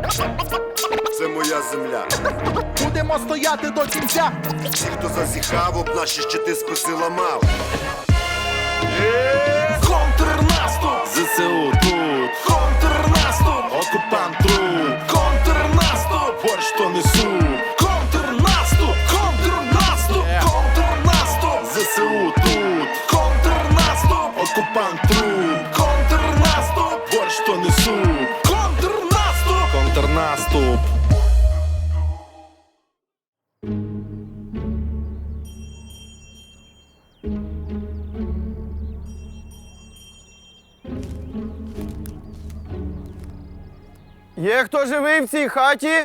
Це моя земля. Будемо стояти до кінця. Ті, хто зазіхав, об наші щити списи ламав. Контрнаступ! ЗСУ тут, Контрнаступ! окупант труп, Контрнаступ! борщ то несу. Контрнаступ! Контрнаступ! Контрнаступ! ЗСУ тут, Контрнаступ! окупант труп, Контрнаступ! борщ то несу. Контрнаступ! Контрнаступ. Є хто живий в цій хаті?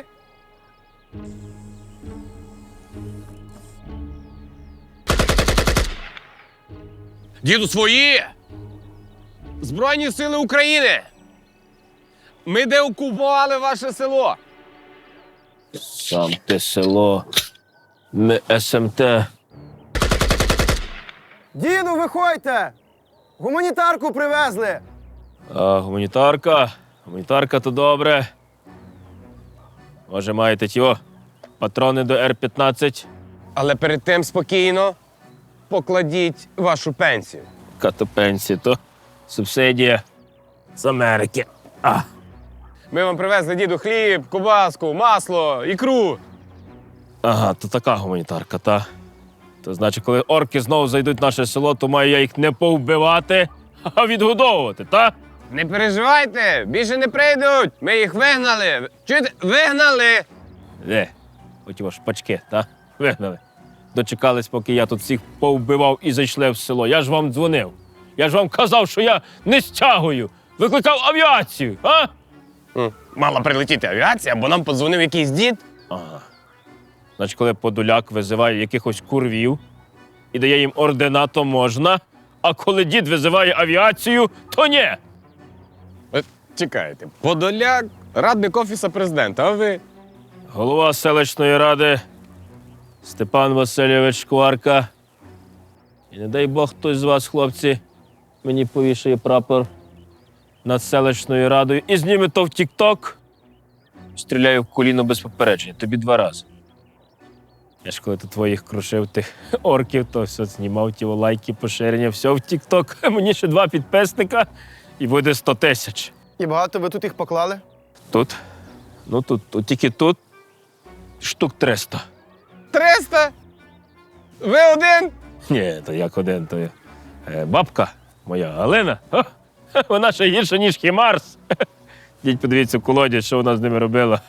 Діду, свої! Збройні сили України! Ми деокупували ваше село! Сам те село. Ми СМТ. Діду, виходьте! Гуманітарку привезли! А гуманітарка? Гуманітарка то добре. Може, маєте тіо? Патрони до Р-15? Але перед тим спокійно покладіть вашу пенсію. Яка то пенсія, то субсидія з Америки. Ми вам привезли, діду, хліб, ковбаску, масло, ікру. Ага, то така гуманітарка, та. То значить, коли орки знову зайдуть в наше село, то маю я їх не повбивати, а відгодовувати, та? Не переживайте, більше не прийдуть. Ми їх вигнали. Чуєте? Вигнали. Оті ваш пачки, та? Вигнали. Дочекались, поки я тут всіх повбивав і зайшли в село. Я ж вам дзвонив. Я ж вам казав, що я не стягую. Викликав авіацію, а? Мала прилетіти авіація, бо нам подзвонив якийсь дід. Ага. Значить, коли Подоляк визиває якихось курвів і дає їм ордена, то можна, а коли дід визиває авіацію, то ні. Чекайте, Подоляк, радник Офісу президента, а ви? Голова селищної ради Степан Васильович Шкварка. І не дай Бог хтось з вас, хлопці, мені повішає прапор над селищною радою і зніме то в Тік-Ток. Стріляю в коліно без попередження. Тобі 2 рази. Я ж коли тут твоїх крушив тих орків, то все знімав ті лайки, поширення, все в Тік-Ток. Мені ще 2 підписника і буде 100 тисяч. І багато ви тут їх поклали? Тут? Ну тут тільки тут штук 300. 300? Ви один? Ні, то як один, то бабка моя Галина. Вона ще гірша, ніж Хімарс. Дідь, подивіться в колоді, що вона з ними робила.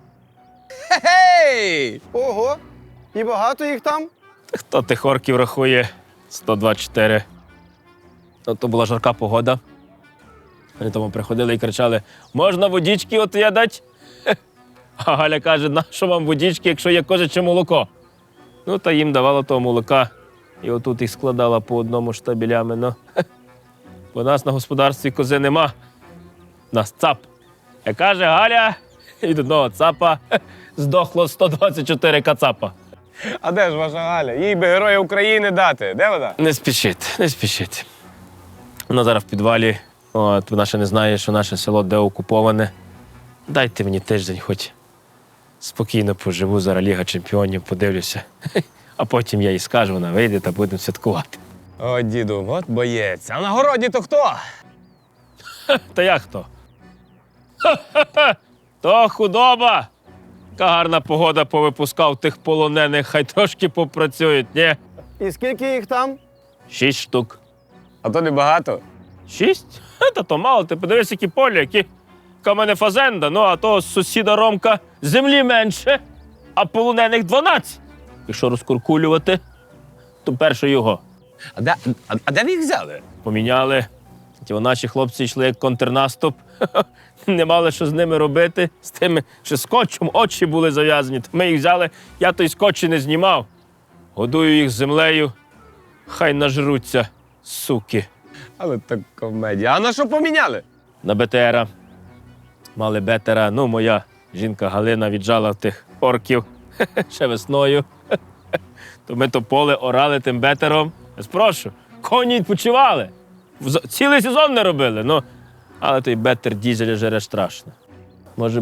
Гей! Ого! І багато їх там? Хто тих орків рахує? 124. Ну, то була жарка погода. Вони тому приходили і кричали: можна водички от я дать? А Галя каже: нащо вам водички, якщо є козяче молоко? Ну, та їм давала того молока. І отут їх складала по одному штабелями. Ну, бо у нас на господарстві кози нема. У нас цап. Як каже Галя, від одного цапа здохло 124 кацапа. А де ж ваша Галя? Їй би Героя України дати. Де вона? Не спішіть, не спішіть. Вона зараз в підвалі. От, вона ще не знає, що наше село деокуповане. Дайте мені тиждень, хоч спокійно поживу, зараз Ліга Чемпіонів, подивлюся. А потім я їй скажу, вона вийде та будемо святкувати. О, діду, от боєць. А на городі то хто? Та як хто? Ха-ха-ха! То худоба! Яка гарна погода, повипускав тих полонених, хай трошки попрацюють, ні? І скільки їх там? 6 штук. А то небагато. 6? Та то мало, ти подивись, які поля, яка в мене фазенда, ну а того сусіда Ромка землі менше, а полонених 12. Якщо розкуркулювати, то перше його. А де ви їх взяли? Поміняли. Ті наші хлопці йшли як контрнаступ. Не мали що з ними робити. З тими, що скотчем очі були зав'язані. То ми їх взяли, я той скотч і не знімав. Годую їх землею, хай нажруться, суки. Але так комедія. А на що поміняли? На БТРа. Мали бетера. Ну, моя жінка Галина віджала тих орків ще весною. То ми то поле орали тим бетером. Я спрошу, коні відпочивали. Цілий сезон не робили. Ну, але той бетер дізеля жере страшно. Може би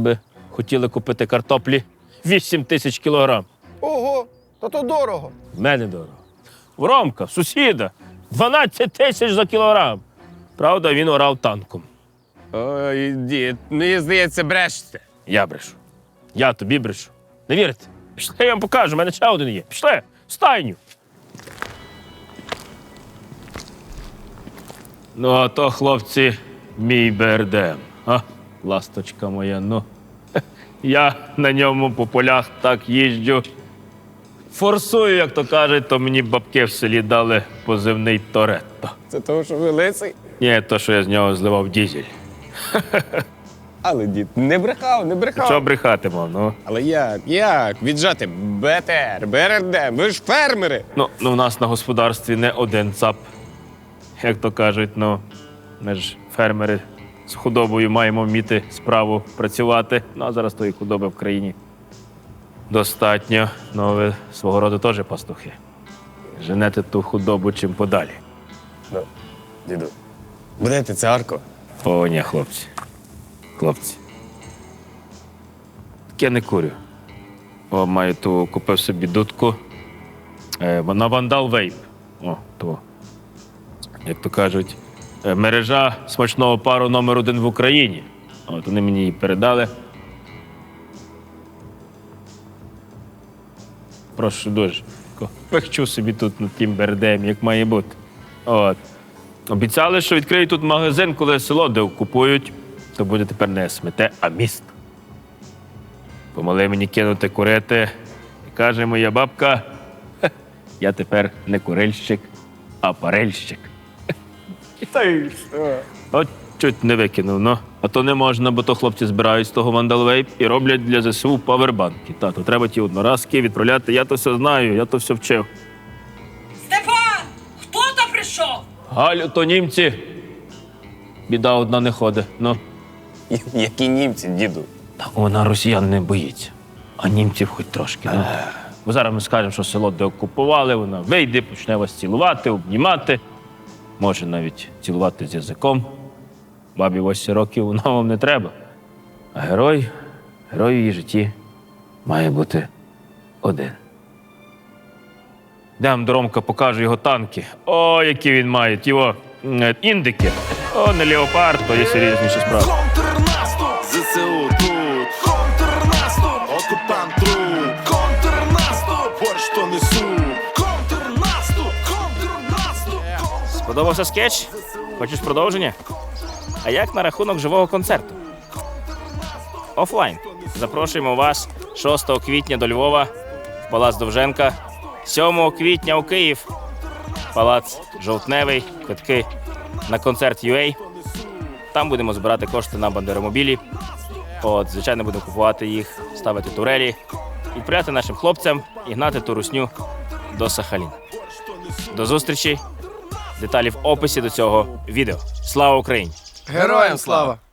хотіли купити картоплі 8 тисяч кілограм. Ого, то дорого. В мене дорого. В Ромка, сусіда, 12 тисяч за кілограм. Правда, він орав танком. Ой, дід, мені здається, брешете. Я брешу. Я тобі брешу. Не вірите? Пішли, я вам покажу, в мене ще один є. Пішли, в стайню. Ну, а то, хлопці, мій БРДМ. А, ласточка моя, ну. Я на ньому по полях так їжджу. Форсую, як то кажуть, то мені бабки в селі дали позивний Торетто. Це того, що ви лисий? Ні, то, що я з нього зливав дізель. Але дід, не брехав, не брехав. Що брехати мав, ну? Але як? Віджати БТР, БРД, ви ж фермери. Ну, в нас на господарстві не один ЦАП. Як то кажуть, ну, ми ж фермери з худобою маємо вміти справу працювати. Ну, а зараз тої худоби в країні достатньо. Ну, ви свого роду теж пастухи. Женете ту худобу чим подалі. Ну, діду, будете царко? О, ні, хлопці. Хлопці. Таке не курю. О, маю ту, купив собі дудку. На Вандал Вейп. О, то. Як то кажуть, мережа смачного пару номер 1 в Україні. От вони мені її передали. Прошу дуже. Пехчу собі тут над тим БРДМ, як має бути. От. Обіцяли, що відкриють тут магазин, коли село де окупують, то буде тепер не СМТ, а міст. Помогли мені кинути курити. І каже моя бабка, я тепер не курильщик, а парильщик. От чуть не викинув, ну. А то не можна, бо то хлопці збирають з того вандалвейп і роблять для ЗСУ павербанки. Тато, треба ті одноразки відправляти. Я то все знаю, я то все вчив. Степан! Хто то прийшов? Галю, то німці. Біда одна не ходить. Ну. Які німці, діду? Та вона росіян не боїться, а німців хоч трошки. Ну. Бо зараз ми скажемо, що село деокупували, вона вийде, почне вас цілувати, обнімати. Може навіть цілувати з язиком. Бабі 8 років, вона вам не треба. А герой в її житті має бути один. Йдемо до Ромка, покажу його танки. О, які він має, його індики. О, не леопард, то є серйозніші справи. Контрнаступ! ЗСУ тут, Контрнаступ! окупант труп. Контрнаступ! Борщ то несу. Контрнаступ! Контрнаступ! Сподобався скетч? Хочеш продовження? А як на рахунок живого концерту? Офлайн. Запрошуємо вас 6 квітня до Львова, в Палац Довженка, 7 квітня у Київ, Палац Жовтневий, квитки на концерт UA. Там будемо збирати кошти на бандеромобілі. От, звичайно, будемо купувати їх, ставити турелі, відправляти нашим хлопцям і гнати ту русню до Сахаліна. До зустрічі! Деталі в описі до цього відео. Слава Україні! Героям слава!